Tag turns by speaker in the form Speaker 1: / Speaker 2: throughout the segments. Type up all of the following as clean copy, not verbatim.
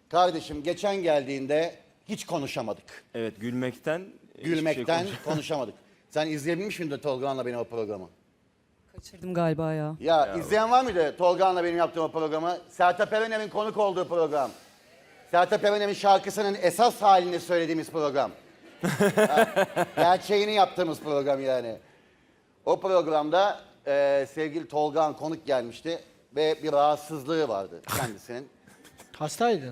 Speaker 1: Kardeşim geçen geldiğinde hiç konuşamadık.
Speaker 2: Evet, gülmekten
Speaker 1: Gülmekten konuşamadık. Sen izleyebilmiş miydin Tolga'nla benim o programı?
Speaker 3: Kaçırdım galiba ya.
Speaker 1: Ya izleyen var mıydı Tolga'nla benim yaptığım o programı? Sertab Erener'in konuk olduğu program. Sertab Erener'in şarkısının esas halini söylediğimiz program. Gerçeğini yaptığımız program yani. O programda sevgili Tolga'nın konuk gelmişti ve bir rahatsızlığı vardı kendisinin.
Speaker 4: Hastaydı.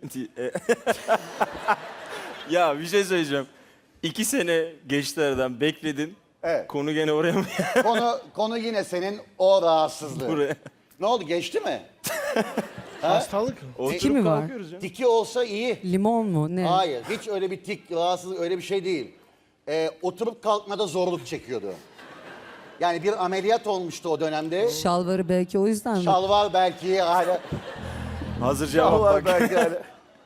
Speaker 2: Ya bir şey söyleyeceğim. 2 sene geçti aradan, bekledin.
Speaker 1: Evet.
Speaker 2: Konu gene oraya mı?
Speaker 1: Konu yine senin o rahatsızlığı.
Speaker 2: Buraya.
Speaker 1: Ne oldu, geçti mi?
Speaker 4: Hastalık.
Speaker 2: Oturup
Speaker 3: mi var?
Speaker 2: kalkıyoruz ya.
Speaker 1: Tiki olsa iyi.
Speaker 3: Limon mu? Ne?
Speaker 1: Hayır, hiç öyle bir tik, rahatsızlık öyle bir şey değil. Oturup kalkmada zorluk çekiyordu. Yani bir ameliyat olmuştu o dönemde.
Speaker 3: Şalvarı belki o yüzden mi?
Speaker 1: Şalvar belki hala.
Speaker 2: Hazır cevap
Speaker 1: Şalvar
Speaker 2: bak.
Speaker 1: belki hala.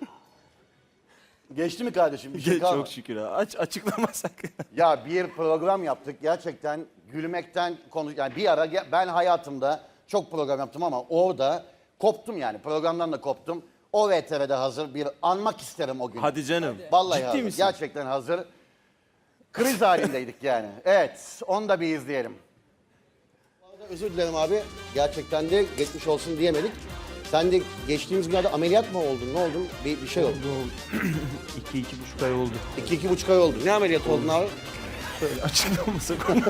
Speaker 1: Geçti mi kardeşim? Bir şey kalmadı.
Speaker 2: Çok şükür ha. Açıklamasak.
Speaker 1: Ya bir program yaptık gerçekten gülmekten yani bir ara ben hayatımda çok program yaptım ama orada koptum yani programdan da koptum. O VTR'de hazır bir anmak isterim o gün.
Speaker 2: Hadi canım.
Speaker 1: Vallahi
Speaker 2: Ciddi
Speaker 1: hazır.
Speaker 2: misin?
Speaker 1: Gerçekten hazır. Kriz halindeydik yani. Evet, onu da bir izleyelim. Bu arada özür dilerim abi. Gerçekten de geçmiş olsun diyemedik. Sen de geçtiğimiz günlerde ameliyat mı oldun? Ne oldun? Bir şey oldu.
Speaker 2: 2-2,5 ay oldu.
Speaker 1: 2-2,5 ay oldu. Ne ameliyat oldun abi?
Speaker 2: Şöyle açıklamasak onu.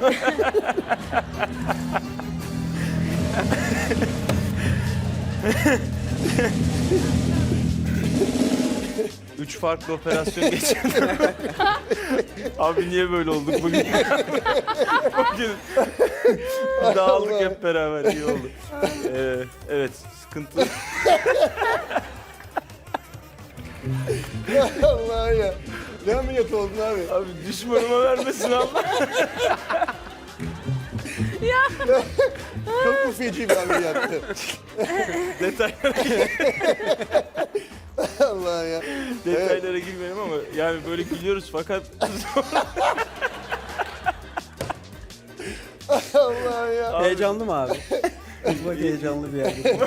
Speaker 2: Üç farklı operasyon geçirdim. Abi niye böyle olduk bugün? Bugün dağıldık hep beraber, iyi oldu. Evet, sıkıntı.
Speaker 1: Allah ya. Ne ameliyat oldun abi?
Speaker 2: Abi düşmanıma vermesin Allah.
Speaker 1: Çok mu feci bir ameliyattı? Allah ya.
Speaker 2: Detaylara girmeyelim ama yani böyle gülüyoruz fakat
Speaker 1: Allah ya.
Speaker 4: Heyecanlı mı abi? Bak heyecanlı bir yerde.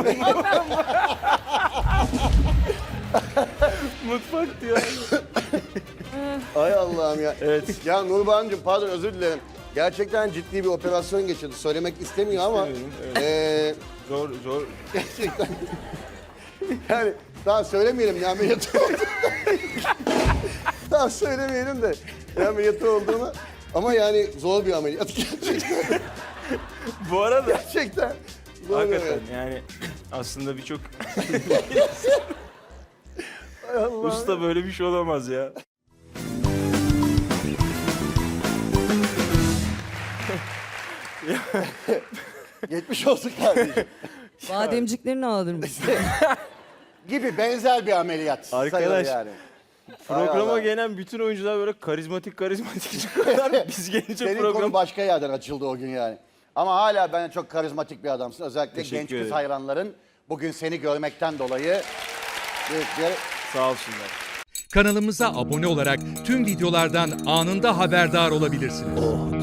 Speaker 2: mutfak diyor.
Speaker 1: Ay Allah'ım ya.
Speaker 2: Evet.
Speaker 1: Ya Nurbancığım pardon özür dilerim. Gerçekten ciddi bir operasyon geçirdi. Söylemek istemiyor ama
Speaker 2: Zor.
Speaker 1: gerçekten yani daha söylemeyelim ne ameliyatı oldu. Daha söylemeyelim de ne ameliyatı olduğunu. Ama yani zor bir ameliyat gerçekten.
Speaker 2: Bu arada
Speaker 1: Gerçekten. Zor bir
Speaker 2: hakikaten
Speaker 1: ameliyat.
Speaker 2: yani aslında birçok
Speaker 1: Ay Allah'ım.
Speaker 2: usta böyle bir şey olamaz ya.
Speaker 1: Geçmiş olsun kardeşim.
Speaker 3: Bademciklerini alır mısın?
Speaker 1: Gibi benzer bir ameliyat. sayılır
Speaker 2: Arkadaş,
Speaker 1: yani.
Speaker 2: Programa
Speaker 1: Allah.
Speaker 2: gelen bütün oyuncular böyle karizmatik çıkıyorlar. Biz gelince
Speaker 1: Senin
Speaker 2: program...
Speaker 1: konu başka yerden açıldı o gün yani. Ama hala bence çok karizmatik bir adamsın. Özellikle
Speaker 2: Teşekkür
Speaker 1: genç kız
Speaker 2: ederim.
Speaker 1: hayranların bugün seni görmekten dolayı büyük bir...
Speaker 2: Sağ olsunlar.
Speaker 5: Kanalımıza abone olarak tüm videolardan anında haberdar olabilirsiniz.